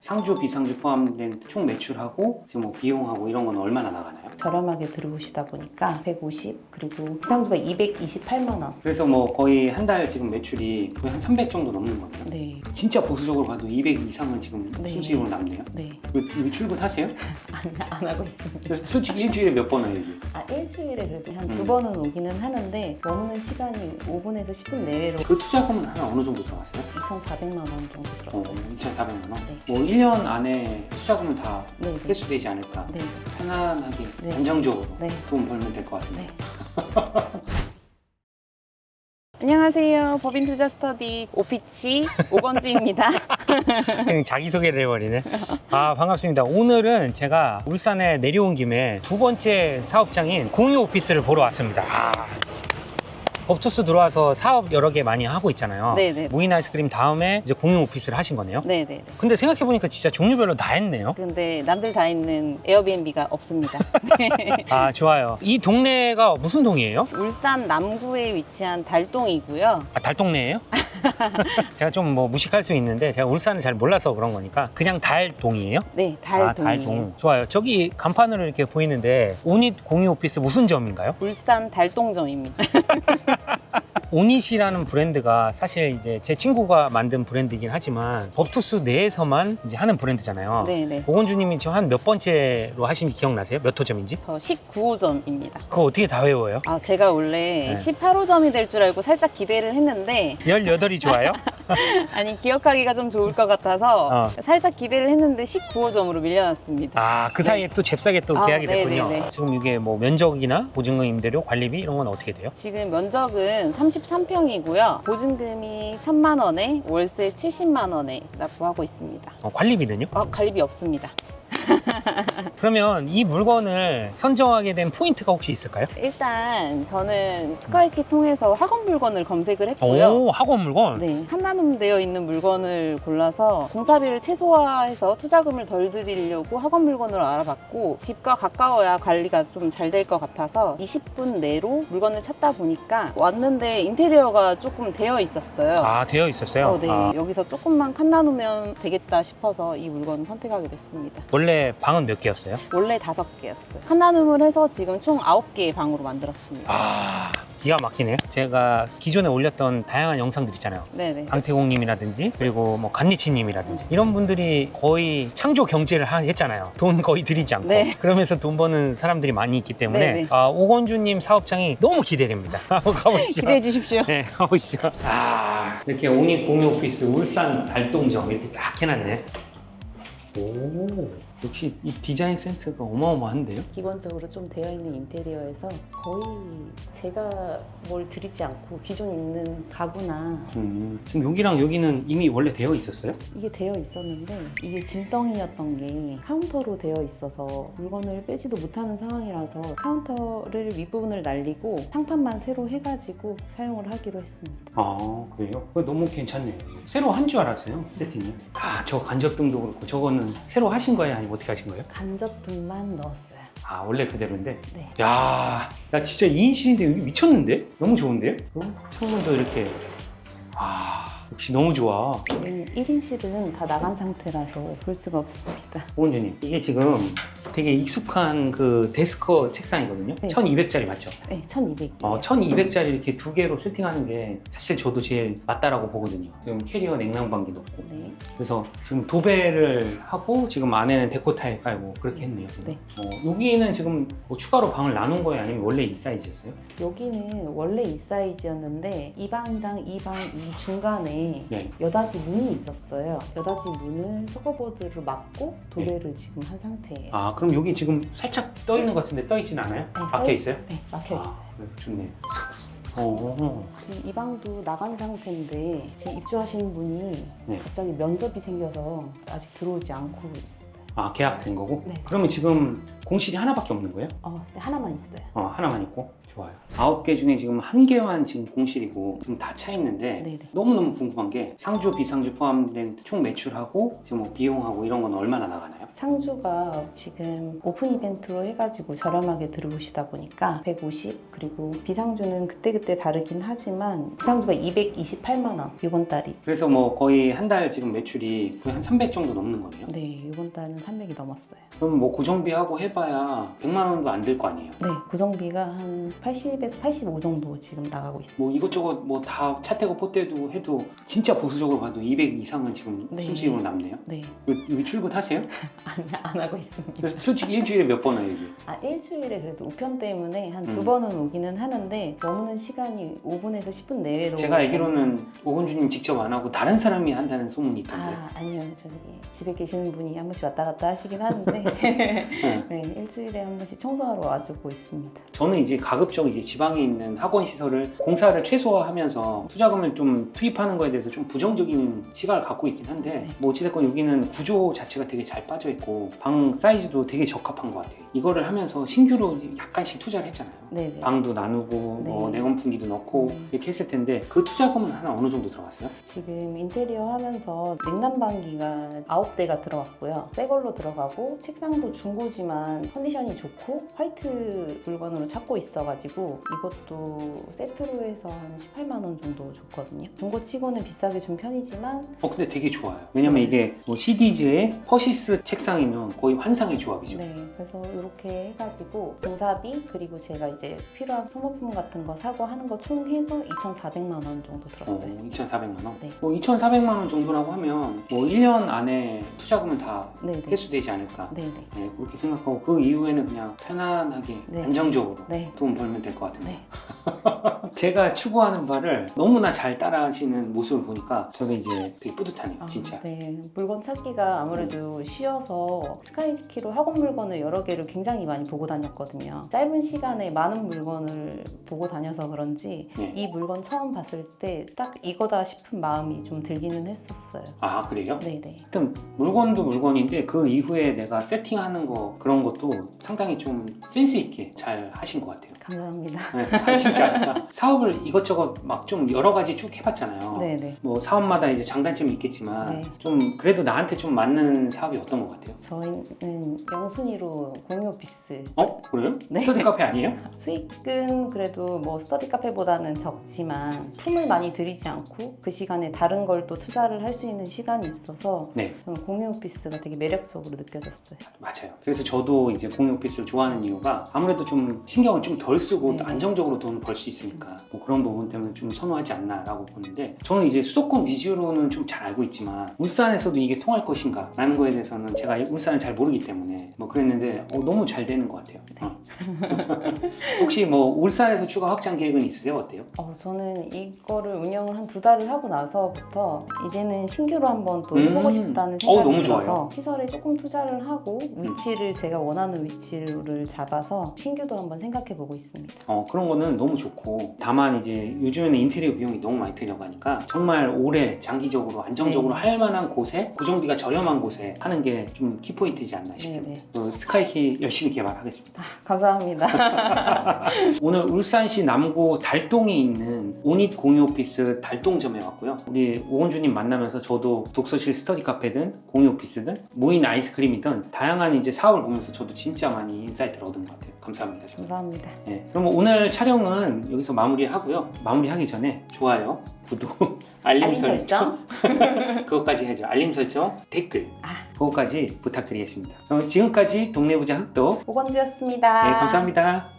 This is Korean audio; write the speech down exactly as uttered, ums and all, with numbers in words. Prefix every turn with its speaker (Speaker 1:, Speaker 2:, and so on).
Speaker 1: 상주, 비상주 포함된 총 매출하고 지금 뭐 비용하고 이런 건 얼마나 나가나요?
Speaker 2: 저렴하게 들어오시다 보니까 백오십, 그리고 비상주가 이백이십팔만 원.
Speaker 1: 그래서 뭐 거의 한 달 지금 매출이 거의 한 삼백 정도 넘는 거네요.
Speaker 2: 네,
Speaker 1: 진짜 보수적으로 봐도 이백 이상은 지금
Speaker 2: 네.
Speaker 1: 수익으로 남네요.
Speaker 2: 네.
Speaker 1: 그, 이거 출근하세요?
Speaker 2: 안, 안 하고 있습니다.
Speaker 1: 그래서 솔직히 일주일에 몇 번 와요, 이게?
Speaker 2: 아, 일주일에 그래도 한 두
Speaker 1: 음.
Speaker 2: 번은 오기는 하는데 머무는 시간이 오 분에서 십 분 내외로
Speaker 1: 그 투자금은 한 어느 정도 들어갔어요?
Speaker 2: 이천사백만 원 정도
Speaker 1: 어,
Speaker 2: 들었어요.
Speaker 1: 이천사백만 원?
Speaker 2: 네.
Speaker 1: 뭐 일 년 안에 투자금은 다
Speaker 2: 네, 네.
Speaker 1: 회수되지 않을까?
Speaker 2: 네.
Speaker 1: 편안하게,
Speaker 2: 네.
Speaker 1: 안정적으로
Speaker 2: 네.
Speaker 1: 돈 벌면 될 것 같은데.
Speaker 2: 네. 안녕하세요. 법인 투자 스터디 오피치 오건주입니다.
Speaker 3: 그냥 자기소개를 해버리네. 아, 반갑습니다. 오늘은 제가 울산에 내려온 김에 두 번째 사업장인 공유 오피스를 보러 왔습니다. 아, 업투스 들어와서 사업 여러 개 많이 하고 있잖아요.
Speaker 2: 네네.
Speaker 3: 무인 아이스크림 다음에 이제 공유 오피스를 하신 거네요.
Speaker 2: 네네.
Speaker 3: 근데 생각해보니까 진짜 종류별로 다 했네요.
Speaker 2: 근데 남들 다 있는 에어비앤비가 없습니다.
Speaker 3: 아, 좋아요. 이 동네가 무슨 동이에요?
Speaker 2: 울산 남구에 위치한 달동이고요.
Speaker 3: 아, 달동네예요? 제가 좀 뭐 무식할 수 있는데 제가 울산을 잘 몰라서 그런 거니까 그냥 달동이에요?
Speaker 2: 네,
Speaker 3: 아,
Speaker 2: 달동이에요.
Speaker 3: 달동. 좋아요. 저기 간판으로 이렇게 보이는데 오닛 공유 오피스 무슨 점인가요?
Speaker 2: 울산 달동점입니다.
Speaker 3: 오닛이라는 브랜드가 사실 이제 제 친구가 만든 브랜드이긴 하지만 법투스 내에서만 이제 하는 브랜드잖아요.
Speaker 2: 네네.
Speaker 3: 오건주님이 지금 한 몇 번째로 하신지 기억나세요? 몇 호점인지?
Speaker 2: 저 십구 호점입니다.
Speaker 3: 그거 어떻게 다 외워요?
Speaker 2: 아, 제가 원래
Speaker 3: 네.
Speaker 2: 십팔 호점이 될 줄 알고 살짝 기대를 했는데
Speaker 3: 열여덟이 좋아요?
Speaker 2: 아니 기억하기가 좀 좋을 것 같아서
Speaker 3: 어.
Speaker 2: 살짝 기대를 했는데 십구 호점으로 밀려났습니다.
Speaker 3: 아, 그 사이에 또 잽싸게 또
Speaker 2: 아,
Speaker 3: 계약이
Speaker 2: 네,
Speaker 3: 됐군요.
Speaker 2: 네, 네.
Speaker 3: 지금 이게 뭐 면적이나 보증금 임대료, 관리비 이런 건 어떻게 돼요?
Speaker 2: 지금 면적은 삼십삼 평이고요. 보증금이 천만 원에 월세 칠십만 원에 납부하고 있습니다.
Speaker 3: 어, 관리비는요?
Speaker 2: 어, 관리비 없습니다.
Speaker 3: 그러면 이 물건을 선정하게 된 포인트가 혹시 있을까요?
Speaker 2: 일단 저는 스카이키 통해서 학원 물건을 검색을 했고요.
Speaker 3: 오, 학원 물건?
Speaker 2: 네, 한나눔되어 있는 물건을 골라서 공사비를 최소화해서 투자금을 덜 들이려고 학원 물건을 알아봤고 집과 가까워야 관리가 좀 잘 될 것 같아서 이십 분 내로 물건을 찾다 보니까 왔는데 인테리어가 조금 되어 있었어요.
Speaker 3: 아, 되어 있었어요?
Speaker 2: 어, 네.
Speaker 3: 아,
Speaker 2: 여기서 조금만 칸나누면 되겠다 싶어서 이 물건을 선택하게 됐습니다.
Speaker 3: 원래 방은 몇 개였어요?
Speaker 2: 원래 다섯 개였어요. 칸나눔을 해서 지금 총 아홉 개의 방으로 만들었습니다.
Speaker 3: 아, 기가 막히네요. 제가 기존에 올렸던 다양한 영상들 있잖아요.
Speaker 2: 네네.
Speaker 3: 강태공님이라든지 그리고 뭐 간니치님이라든지 이런 분들이 거의 창조 경제를 하- 했잖아요. 돈 거의 들이지 않고.
Speaker 2: 네.
Speaker 3: 그러면서 돈 버는 사람들이 많이 있기 때문에
Speaker 2: 네네.
Speaker 3: 아, 오건주님 사업장이 너무 기대됩니다. 한번 가보시죠.
Speaker 2: 기대해 주십시오.
Speaker 3: 네, 가보시죠. 아, 이렇게 오닛 공유 오피스 울산 달동점 이렇게 딱 해놨네. 오, 역시 이 디자인 센스가 어마어마한데요?
Speaker 2: 기본적으로 좀 되어 있는 인테리어에서 거의 제가 뭘 드리지 않고 기존 있는 가구나
Speaker 3: 음, 지금 여기랑 여기는 이미 원래 되어 있었어요?
Speaker 2: 이게 되어 있었는데 이게 짐덩이였던 게 카운터로 되어 있어서 물건을 빼지도 못하는 상황이라서 카운터를 윗부분을 날리고 상판만 새로 해가지고 사용을 하기로 했습니다.
Speaker 3: 아, 그래요? 그거 너무 괜찮네요. 새로 한 줄 알았어요, 세팅이. 아, 저 간접등도 그렇고 저거는 새로 하신 거예요? 아니면 어떻게 하신 거예요?
Speaker 2: 간접등만 넣었어요.
Speaker 3: 아, 원래 그대로인데?
Speaker 2: 네.
Speaker 3: 야, 야 진짜 이 인실인데 여기 미쳤는데? 너무 좋은데요? 어? 창문도 이렇게. 아, 역시 너무 좋아.
Speaker 2: 지금 일 인실은 다 나간 상태라서 볼 수가 없습니다.
Speaker 3: 오은주님, 이게 지금 되게 익숙한 그 데스크 책상이거든요?
Speaker 2: 네.
Speaker 3: 천이백 짜리 맞죠?
Speaker 2: 네, 천이백.
Speaker 3: 어, 천이백 짜리 이렇게 두 개로 세팅하는 게 사실 저도 제일 맞다라고 보거든요. 지금 캐리어 냉난방기 넣고.
Speaker 2: 네.
Speaker 3: 그래서 지금 도배를 하고 지금 안에는 데코 타일 깔고 그렇게 했네요.
Speaker 2: 네.
Speaker 3: 어, 여기는 지금 뭐 추가로 방을 나눈 거예요? 아니면 원래 이 사이즈였어요?
Speaker 2: 여기는 원래 이 사이즈였는데 이 방이랑 이 방 이 중간에
Speaker 3: 네.
Speaker 2: 여닫이 문이 있었어요. 여닫이 문을 서거보드로 막고 도배를 지금 한 상태예요.
Speaker 3: 아, 그럼 여기 지금 살짝 떠 있는 것 같은데 떠 있진 않아요?
Speaker 2: 네,
Speaker 3: 막혀 있어요?
Speaker 2: 네, 막혀 있어요.
Speaker 3: 아, 네, 좋네요. 어,
Speaker 2: 지금 이 방도 나간 상태인데 지금 입주하신 분이
Speaker 3: 네.
Speaker 2: 갑자기 면접이 생겨서 아직 들어오지 않고 있어요.
Speaker 3: 아, 계약된 거고?
Speaker 2: 네.
Speaker 3: 그러면 지금 공실이 하나밖에 없는 거예요?
Speaker 2: 어, 네, 하나만 있어요.
Speaker 3: 어, 하나만 있고.
Speaker 1: 좋아요. 아홉 개 중에 지금 한 개만 지금 공실이고 지금 다 차 있는데
Speaker 2: 네네.
Speaker 1: 너무너무 궁금한 게 상주, 비상주 포함된 총 매출하고 지금 뭐 비용하고 이런 건 얼마나 나가나요?
Speaker 2: 상주가 지금 오픈 이벤트로 해가지고 저렴하게 들어오시다 보니까 백오십, 그리고 비상주는 그때그때 다르긴 하지만 비상주가 이백이십팔만 원 이번 달이.
Speaker 1: 그래서 뭐 거의 한 달 지금 매출이 거의 한 삼백 정도 넘는 거네요.
Speaker 2: 네, 이번 달은 삼백이 넘었어요.
Speaker 1: 그럼 뭐 고정비하고 해봐야 백만 원도 안 들 거 아니에요?
Speaker 2: 네, 고정비가 한 팔십에서 팔십오 정도 지금 나가고 있습니다.
Speaker 1: 뭐 이것저것 뭐 다 차 떼고 포 떼도 해도 진짜 보수적으로 봐도 이백 이상은 지금
Speaker 2: 네.
Speaker 1: 순수익으로 남네요.
Speaker 2: 네,
Speaker 1: 여기, 여기 출근하세요?
Speaker 2: 안, 안 하고 있습니다.
Speaker 1: 그래서 솔직히 일주일에 몇 번 와요 여기?
Speaker 2: 아, 일주일에 그래도 우편 때문에 한 두
Speaker 1: 음.
Speaker 2: 번은 오기는 하는데 머무는 시간이 오 분에서 십 분 내외로.
Speaker 1: 제가 알기로는 오건주님 직접 안 하고 다른 사람이 한다는 소문이 있던데.
Speaker 2: 아, 아니요. 저기 집에 계시는 분이 한 번씩 왔다 갔다 하시긴 하는데
Speaker 1: 네.
Speaker 2: 네, 일주일에 한 번씩 청소하러 와주고 있습니다.
Speaker 1: 저는 이제 가급적 이제 지방에 있는 학원 시설을 공사를 최소화하면서 투자금을 좀 투입하는 거에 대해서 좀 부정적인 시각을 갖고 있긴 한데
Speaker 2: 네.
Speaker 1: 뭐 어찌됐건 여기는 구조 자체가 되게 잘 빠져 있고 방 사이즈도 되게 적합한 것 같아요. 이거를 하면서 신규로 약간씩 투자를 했잖아요.
Speaker 2: 네네.
Speaker 1: 방도 나누고
Speaker 2: 네.
Speaker 1: 뭐 냉온풍기도 넣고
Speaker 2: 음.
Speaker 1: 이렇게 했을 텐데 그 투자금은 하나 어느 정도 들어갔어요?
Speaker 2: 지금 인테리어 하면서 냉난방기가 아홉 대가 들어갔고요. 새 걸로 들어가고 책상도 중고지만 컨디션이 좋고 화이트 물건으로 찾고 있어가지고 이것도 세트로 해서 한 십팔만 원 정도 줬거든요. 중고치고는 비싸게 준 편이지만
Speaker 1: 어 근데 되게 좋아요. 왜냐면
Speaker 2: 네.
Speaker 1: 이게 뭐 시디즈의 퍼시스 책상이면 거의 환상의 조합이죠.
Speaker 2: 네, 그래서 이렇게 해가지고 공사비 그리고 제가 이제 필요한 소모품 같은 거 사고 하는 거 총 해서 이천사백만 원 정도 들었어요.
Speaker 1: 어, 이천사백만 원?
Speaker 2: 네.
Speaker 1: 뭐 이천사백만 원 정도라고 하면 뭐 일 년 안에 투자금은 다
Speaker 2: 네네.
Speaker 1: 회수되지 않을까.
Speaker 2: 네네.
Speaker 1: 네, 그렇게 생각하고 그 이후에는 그냥 편안하게
Speaker 2: 네.
Speaker 1: 안정적으로
Speaker 2: 네.
Speaker 1: 돈 벌면 될 것 같은데.
Speaker 2: 네.
Speaker 1: 제가 추구하는 바를 너무나 잘 따라하시는 모습을 보니까 저도 이제 되게 뿌듯하네요,
Speaker 2: 아,
Speaker 1: 진짜.
Speaker 2: 네. 물건 찾기가 아무래도 쉬워서 스카이키로 학원 물건을 여러 개를 굉장히 많이 보고 다녔거든요. 짧은 시간에 많은 물건을 보고 다녀서 그런지
Speaker 1: 네.
Speaker 2: 이 물건 처음 봤을 때 딱 이거다 싶은 마음이 좀 들기는 했었어요.
Speaker 1: 아, 그래요?
Speaker 2: 네네.
Speaker 1: 하여튼 물건도 물건인데 그 이후에 내가 세팅하는 거 그런 것도 상당히 좀 센스 있게 잘 하신 것 같아요.
Speaker 2: 감사합니다.
Speaker 1: 네, 아, 진짜 사업을 이것저것 막 좀 여러 가지 쭉 해봤잖아요.
Speaker 2: 네네.
Speaker 1: 뭐 사업마다 이제 장단점이 있겠지만
Speaker 2: 네.
Speaker 1: 좀 그래도 나한테 좀 맞는 사업이 어떤 것 같아요?
Speaker 2: 저희는 영순위로 공유 오피스.
Speaker 1: 어? 그래요?
Speaker 2: 네.
Speaker 1: 스터디 카페 아니에요?
Speaker 2: 수익은 그래도 뭐 스터디 카페보다는 적지만 품을 많이 들이지 않고 그 시간에 다른 걸 또 투자를 할 수 있는 시간이 있어서
Speaker 1: 네,
Speaker 2: 저는 공유 오피스가 되게 매력적으로 느껴졌어요.
Speaker 1: 맞아요. 그래서 저도 이제 공유 오피스를 좋아하는 이유가 아무래도 좀 신경을 좀 덜 쓰고 또
Speaker 2: 네.
Speaker 1: 안정적으로 돈을 벌 수 있으니까 뭐 그런 부분 때문에 좀 선호하지 않나라고 보는데 저는 이제 수도권 위주로는 좀 잘 알고 있지만 울산에서도 이게 통할 것인가 라는 거에 대해서는 제가 울산을 잘 모르기 때문에 뭐 그랬는데 어, 너무 잘 되는 것 같아요.
Speaker 2: 네.
Speaker 1: 어. 혹시 뭐 울산에서 추가 확장 계획은 있으세요? 어때요?
Speaker 2: 어, 저는 이거를 운영을 한 두 달을 하고 나서부터 이제는 신규로 한번 또 해보고
Speaker 1: 음.
Speaker 2: 싶다는
Speaker 1: 어,
Speaker 2: 생각이
Speaker 1: 너무
Speaker 2: 들어서
Speaker 1: 좋아요.
Speaker 2: 시설에 조금 투자를 하고 위치를 제가 원하는 위치를 잡아서 신규도 한번 생각해보고 있습니다.
Speaker 1: 어, 그런 거는 너무 좋고 다만 이제 요즘에는 인테리어 비용이 너무 많이 들어가니까 정말 오래 장기적으로 안정적으로
Speaker 2: 네.
Speaker 1: 할 만한 곳에 고정비가 저렴한 곳에 하는 게 좀 키포인트이지 않나 싶습니다. 어, 스카이키 열심히 개발하겠습니다.
Speaker 2: 감사합니다.
Speaker 1: 오늘 울산시 남구 달동에 있는 오닛 공유 오피스 달동점에 왔고요. 우리 오건주님 만나면서 저도 독서실 스터디 카페든 공유 오피스든 무인 아이스크림이든 다양한 이제 사업을 보면서 저도 진짜 많이 인사이트를 얻은 것 같아요. 감사합니다. 저도.
Speaker 2: 감사합니다.
Speaker 1: 네, 그럼 오늘 촬영은 여기서 마무리하고요. 마무리하기 전에 좋아요, 구독, 알림,
Speaker 2: 알림
Speaker 1: 설정,
Speaker 2: 설정.
Speaker 1: 그것까지 해야죠. 알림 설정, 댓글
Speaker 2: 아.
Speaker 1: 그것까지 부탁드리겠습니다. 그럼 지금까지 동네부자 흑도
Speaker 2: 오건주였습니다.
Speaker 1: 네, 감사합니다.